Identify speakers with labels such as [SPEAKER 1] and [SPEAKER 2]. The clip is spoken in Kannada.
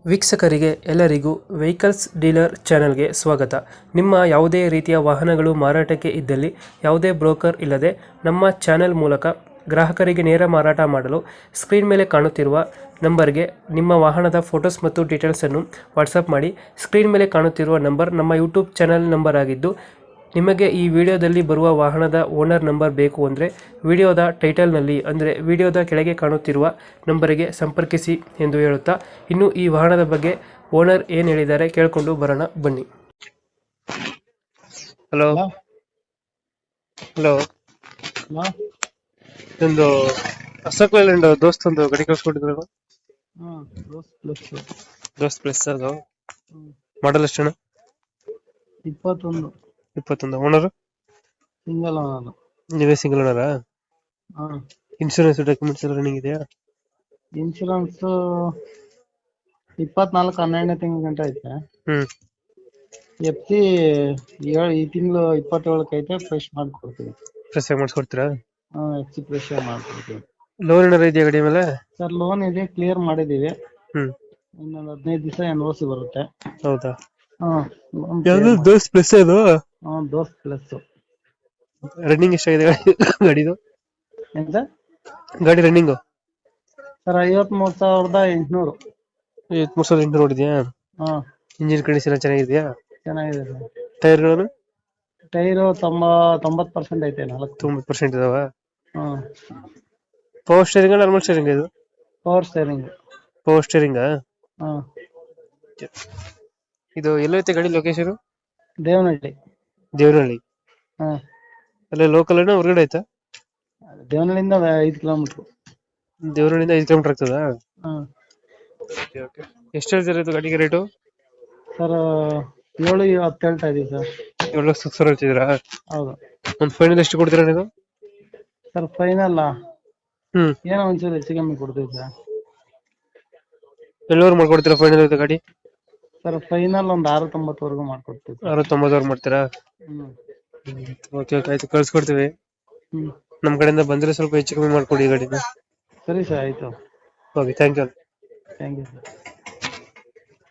[SPEAKER 1] ವೀಕ್ಷಕರಿಗೆ ಎಲ್ಲರಿಗೂ ವೆಹಿಕಲ್ಸ್ ಡೀಲರ್ ಚಾನೆಲ್ಗೆ ಸ್ವಾಗತ. ನಿಮ್ಮ ಯಾವುದೇ ರೀತಿಯ ವಾಹನಗಳು ಮಾರಾಟಕ್ಕೆ ಇದ್ದಲ್ಲಿ ಯಾವುದೇ ಬ್ರೋಕರ್ ಇಲ್ಲದೆ ನಮ್ಮ ಚಾನೆಲ್ ಮೂಲಕ ಗ್ರಾಹಕರಿಗೆ ನೇರ ಮಾರಾಟ ಮಾಡಲು ಸ್ಕ್ರೀನ್ ಮೇಲೆ ಕಾಣುತ್ತಿರುವ ನಂಬರ್ಗೆ ನಿಮ್ಮ ವಾಹನದ ಫೋಟೋಸ್ ಮತ್ತು ಡೀಟೇಲ್ಸನ್ನು ವಾಟ್ಸಪ್ ಮಾಡಿ. ಸ್ಕ್ರೀನ್ ಮೇಲೆ ಕಾಣುತ್ತಿರುವ ನಂಬರ್ ನಮ್ಮ ಯೂಟ್ಯೂಬ್ ಚಾನೆಲ್ ನಂಬರ್ ಆಗಿದ್ದು, ನಿಮಗೆ ಈ ವಿಡಿಯೋದಲ್ಲಿ ಬರುವ ವಾಹನದ ಓನರ್ ನಂಬರ್ ಬೇಕು ಅಂದರೆ ವಿಡಿಯೋದ ಟೈಟಲ್ನಲ್ಲಿ ಅಂದರೆ ವಿಡಿಯೋದ ಕೆಳಗೆ ಕಾಣುತ್ತಿರುವ ನಂಬರಿಗೆ ಸಂಪರ್ಕಿಸಿ ಎಂದು ಹೇಳುತ್ತಾ, ಇನ್ನು ಈ ವಾಹನದ ಬಗ್ಗೆ ಓನರ್ ಏನು ಹೇಳಿದ್ದಾರೆ ಕೇಳಿಕೊಂಡು ಬರೋಣ ಬನ್ನಿ. Hello hello
[SPEAKER 2] hello.
[SPEAKER 1] ಒಂದು ಅಶೋಕ್ ಲೇಲ್ಯಾಂಡ್ ದೋಸ್ತ್ ಒಂದು ಗಾಡಿ ಕಳ್ಸ್ಕೊಟ್ಟಿದ್ರು. ದೋಸ್ತ್ ಪ್ಲಸ್ ಅದು ಮಾಡಲ್ ಎಷ್ಟಣ್ಣ?
[SPEAKER 2] 21
[SPEAKER 1] 21. Owner
[SPEAKER 2] single owner.
[SPEAKER 1] ನೀವೇ ಸಿಂಗಲ್ ಓನರಾ?
[SPEAKER 2] ಹಾ.
[SPEAKER 1] ಇನ್ಶೂರೆನ್ಸ್ ಡಾಕ್ಯುಮೆಂಟ್ಸ್ ಎಲ್ಲ ರನ್ನಿಂಗ್ ಇದೆಯಾ?
[SPEAKER 2] ಇನ್ಶೂರೆನ್ಸ್ 24/12 ತಿಂಗಳ ಗಂಟ ಐತೆ. ಎಫ್ಸಿ ಈ ತಿಂಗಳು 27 ಐತೆ. ಫ್ರೆಶ್ ಮಾಡ್ಕೊಡ್ತೀವಿ.
[SPEAKER 1] ಫ್ರೆಶ್ ಆಗಿ ಮಾಡಿಸ್ಕೊಡ್ತೀರಾ?
[SPEAKER 2] ಎಫ್ಸಿ ಫ್ರೆಶ್ ಮಾಡ್ಕೊಡ್ತೀವಿ.
[SPEAKER 1] ಲೋನ್ ಏನಾರ ಇದೆಯಾ ಗಾಡಿ ಮೇಲೆ?
[SPEAKER 2] ಸರ್ ಲೋನ್ ಇದೆ, ಕ್ಲಿಯರ್ ಮಾಡಿದೀವಿ.
[SPEAKER 1] ಹ್ಮ್.
[SPEAKER 2] ಇನ್ನೊಂದು 15 ದಿವಸ ಎನ್ಒಸಿ ಬರುತ್ತೆ.
[SPEAKER 1] ಹೌದಾ?
[SPEAKER 2] loan
[SPEAKER 1] ಯಾವ್ದು
[SPEAKER 2] clear
[SPEAKER 1] ದೋಸ್ತ್ ಪ್ಲಸ್ ಅದು?
[SPEAKER 2] ದೋಸ್ತ್ ಪ್ಲಸ್.
[SPEAKER 1] ರನ್ನಿಂಗ್ ಎಷ್ಟಾಗಿದೆ ಗಾಡಿದು?
[SPEAKER 2] ಏನ್ ಸರ್?
[SPEAKER 1] ಗಾಡಿ ರನ್ನಿಂಗ್
[SPEAKER 2] ಸರ್ 53,800.
[SPEAKER 1] 53,800 ನೋಡಿದ್ಯಾ?
[SPEAKER 2] ಹಾ,
[SPEAKER 1] ಇಂಜಿನ್ ಕಂಡೀಷನ್ ಚೆನ್ನಾಗಿದೆಯಾ?
[SPEAKER 2] ಚೆನ್ನಾಗಿದೆ ಸರ್.
[SPEAKER 1] ಟೈರ್ಗಳನ್ನು
[SPEAKER 2] ಟೈರು 90% ಐತೆ.
[SPEAKER 1] 90% ಇದಾವ?
[SPEAKER 2] ಹಾ.
[SPEAKER 1] ಪವರ್ ಸ್ಟೇರಿಂಗ್ ನಾರ್ಮಲ್ ಸ್ಟೇರಿಂಗ್ ಇದು?
[SPEAKER 2] Power steering.
[SPEAKER 1] Power steering.
[SPEAKER 2] ಹಾ.
[SPEAKER 1] ಇದು ಎಲ್ಲೈತೆ ಗಾಡಿ ಲೊಕೇಶನ್?
[SPEAKER 2] ದೇವನಹಳ್ಳಿ.
[SPEAKER 1] ದೇವನಹಳ್ಳಿ.
[SPEAKER 2] ಹಾ.
[SPEAKER 1] ಅಲ್ಲೇ ಲೋಕಲ್ ಏನೋ ಹೊರಗಡೆ ಆಯ್ತಾ?
[SPEAKER 2] ದೇವನಹಳ್ಳಿಯಿಂದ 5 ಕಿಲೋಮೀಟರ್.
[SPEAKER 1] ದೇವನಹಳ್ಳಿಯಿಂದ 5 ಕಿಲೋಮೀಟರ್ ಆಗ್ತದಾ?
[SPEAKER 2] ಹಾ.
[SPEAKER 1] ಎಷ್ಟು ಹೇಳ್ತೀರಾ ಇದು ಗಾಡಿಗೆ ರೇಟು?
[SPEAKER 2] ಸರ್ 7,10 ಹೇಳ್ತಾ ಇದೀವಿ ಸರ್.
[SPEAKER 1] 7,00,000 ಹೇಳ್ತಿದ್ದೀರಾ?
[SPEAKER 2] ಹೌದು.
[SPEAKER 1] ಒಂದು ಫೈನಲ್ ಎಷ್ಟು ಕೊಡ್ತೀರಾ ನೀವು?
[SPEAKER 2] ಸರ್ ಫೈನಲ್ ಏನೋ ಒಂಚೂರು ಹೆಚ್ಚು ಕಮ್ಮಿ ಕೊಡ್ತೀವಿ ಸರ್.
[SPEAKER 1] ಎಲ್ಲರೂ ಮಾಡ್ಕೊಡ್ತೀರಾ ಫೈನಲ್ ಇದು ಗಾಡಿ?
[SPEAKER 2] ಸರ್ ಫೈನಲ್ ಒಂದು 6,90 ಮಾಡ್ಕೊಡ್ತೀವಿ ಸರ್.
[SPEAKER 1] 6,90 ಮಾಡ್ತೀರಾ? ಓಕೆ ಓಕೆ, ಆಯ್ತು, ಕಳ್ಸ್ಕೊಡ್ತೀವಿ. ನಮ್ಮ ಕಡೆಯಿಂದ ಬಂದ್ರೆ ಸ್ವಲ್ಪ ಹೆಚ್ಚು ಕಮ್ಮಿ ಮಾಡ್ಕೊಡಿ ಗಾಡಿನ.
[SPEAKER 2] ಸರಿ ಸರ್, ಆಯ್ತು.
[SPEAKER 1] Okay, thank you.
[SPEAKER 2] Thank you sir.